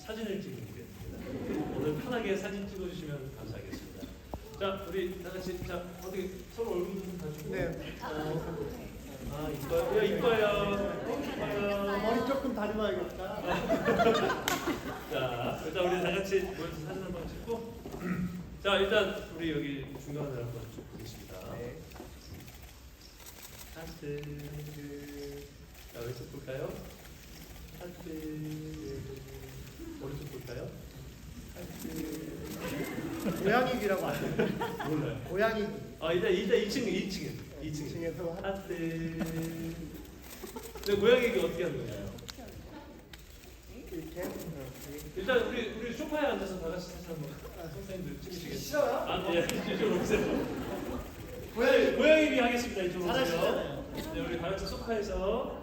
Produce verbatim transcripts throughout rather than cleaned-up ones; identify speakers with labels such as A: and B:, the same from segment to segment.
A: 사진을 찍어드리겠습니다. 오늘 편하게 사진 찍어주시면 감사하겠습니다. 자, 우리 다 같이 자 어떻게 서로 얼굴 좀 봐주고.
B: 네.
A: 어, 아 이뻐요, 이뻐요, 이뻐요.
B: 머리 조금 다듬어야겠다.
A: 자, 일단 우리 다 같이 모여서 사진 한번 찍고. 자, 일단 우리 여기 중간을 한번 쭉 보겠습니다.
B: 네.
A: 하트. 자, 왼쪽 볼까요? 하트. 오른쪽 볼까요? 하트.
B: 고양이 귀라고 하죠.
A: 몰라요.
B: 고양이 귀.
A: 아, 일단 일단 이 층, 이 층에, 이 층에.
B: 층에서
A: 하트. 근데 고양이 귀 어떻게 하는 거예요?
B: 이렇게.
A: 일단 우리 우리 소파에 앉아서 다 같이 사진 한번 선생님들 찍으시겠어요?
B: 싫어요?
A: 아, 예, 이쪽으로 오세요.
B: 고양이
A: 고양이 귀 하겠습니다. 이쪽으로 오세요.
B: 잘하시잖아요.
A: 네, 우리 다 같이 소파에서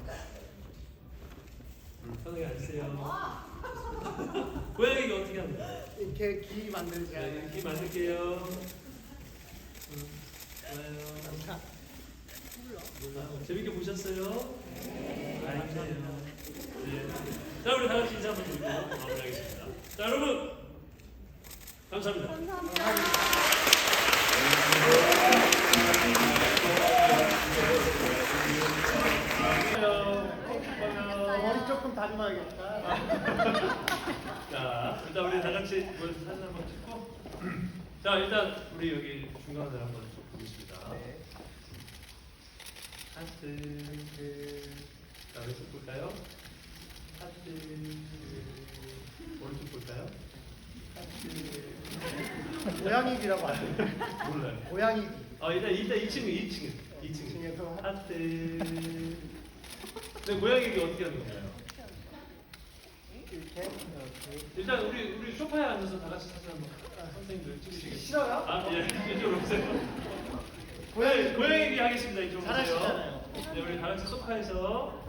A: 음, 편하게 앉으세요. 고양이 귀 어떻게 하는 거예요?
B: 이렇게 귀 만들자.
A: 네, 귀 만들게요. 음, 좋아요.
B: 자,
A: 아, 재밌게 보셨어요? 네. 감사해요. 네. 자, 우리 다 같이 인사 한번 드리고 마무리하겠습니다. 자, 여러분 감사합니다.
B: 머리 조금 다듬어야겠다.
A: 자, 일단 우리 다 같이 모여서 사진 한번 찍고. 자, 일단 우리 여기 중간을 한번 쭉 보겠습니다.
B: 네.
A: 하트. 자, 왼쪽 볼까요? 하트. 오른쪽 볼까요? 하트.
B: 고양이 귀라고 하죠.
A: 몰라요.
B: 고양이 귀.
A: 아, 일단 일단 이 층에, 이 층에, 이 층에.
B: 층에서
A: 하트. 네, 고양이 귀 어떻게 하는 건가요?
B: 이렇게.
A: 일단 우리 우리 소파에 앉아서 다 같이 사진 한번 선생님들 찍으시겠어요?
B: 싫어요?
A: 아, 예, 이쪽으로 오세요.
B: 고양이
A: 고양이 고양이 귀 하겠습니다. 이쪽으로 오세요.
B: 잘하시잖아요.
A: 네, 우리 다 같이 소파에서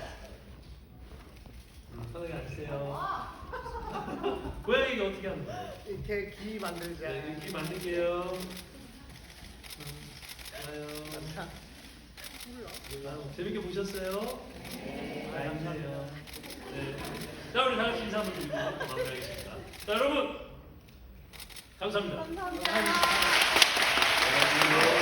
A: 음, 편하게 앉으세요. 고양이 귀 어떻게 하는 거예요?
B: 이렇게 귀 만들자.
A: 네, 이렇게 만들게요. 음, 좋아요.
B: 자,
A: 아, 재밌게 보셨어요? 네. 감사해요. 네. 자, 우리 다 같이 인사 한번 드리고 마무리하겠습니다. 자, 여러분 감사합니다.
C: 감사합니다.
B: 고양이 귀.